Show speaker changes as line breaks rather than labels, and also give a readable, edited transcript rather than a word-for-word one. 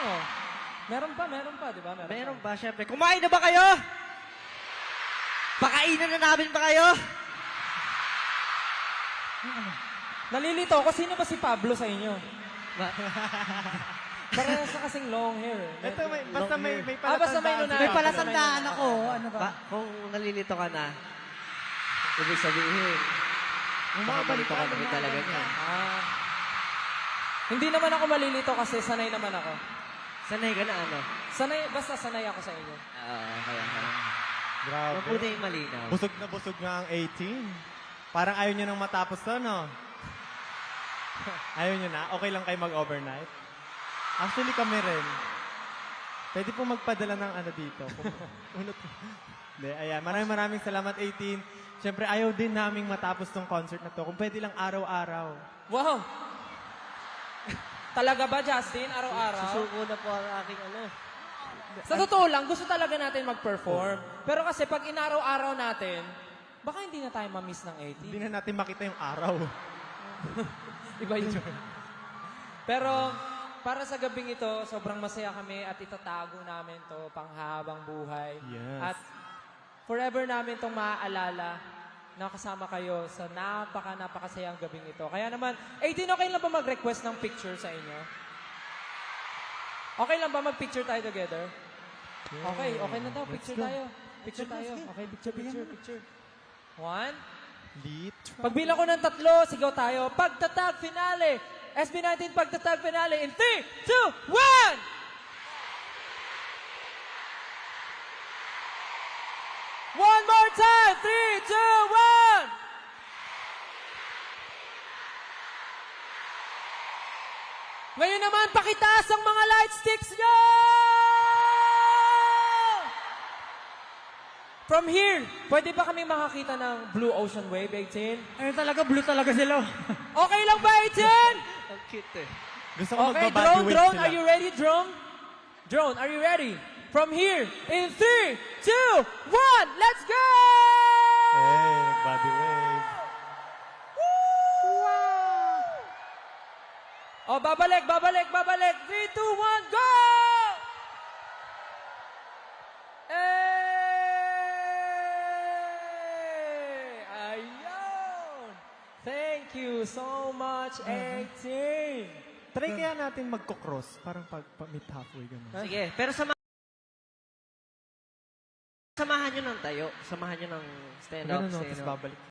Oo. Meron pa, di ba?
Meron ba? Siyempre. Kumain na ba kayo? Pakainan na namin ba kayo?
Nalilito ako, sino ba si Pablo sa inyo? Parehas sa kasing long hair.
Ito, basta may
basta may nuna.
May palatandaan ako. Ano ba?
Kung nalilito ka na, ibig sabihin, baka malito ka namin talaga niya.
Hindi naman ako malilito kasi sanay naman ako.
Sanay ka na ano?
Basta sanay ako sa inyo.
Kaya.
Grabe.
Mabuti yung malinaw.
Busog nga ang 18. Parang ayaw nyo nang matapos to, no? Ayaw nyo na? Okay lang kayo mag-overnight? Actually, kami rin. Pwede po magpadala ng ano dito. Hindi, ayan. Maraming salamat, 18. Siyempre, ayaw din naming matapos tong concert na to. Kung pwede lang araw-araw.
Wow! Talaga ba, Justin? Araw-araw?
Susuko na po ang aking ano.
Sa totoo lang, gusto talaga natin mag-perform. Pero kasi pag inaraw-araw natin, baka hindi na tayo ma-miss ng 18.
Hindi na natin makita yung araw.
Iba yun. Pero para sa gabing ito, sobrang masaya kami at itatago namin to panghabang buhay.
Yes.
At forever namin itong maaalala na kasama kayo sa napakasayang gabing ito. Kaya naman, 18, okay lang ba mag-request ng picture sa inyo? Okay lang ba mag-picture tayo together? Okay na daw. Picture tayo. Picture tayo. Okay, picture. 1.
Lead.
Pagbilang ko ng 3, sigaw tayo. Pagtatag finale. SB19 pagtatag finale in 3, 2, 1! One more time! 3, 2, 1! Ngayon naman, pakitaas ang mga light sticks nyo! From here, pwede ba kami makakita ng Blue Ocean Wave, 18?
Ayun talaga, blue talaga sila.
Okay lang ba, 18?
Ang cute eh.
Gusto ko
Okay,
magbabody weight
drone,
sila.
are you ready, drone? Drone, are you ready? From here, in 3, 2, 1, let's go!
Hey, body wave.
Oh, babalik. 3, 2, 1, go! Ayun! Thank you so much, 18!
Try kaya natin magko-cross. Parang pag-meet halfway gano'n.
Sige, pero samahan nyo ng tayo. Samahan nyo ng stand-up.
Ganun, no? Tapos babalik.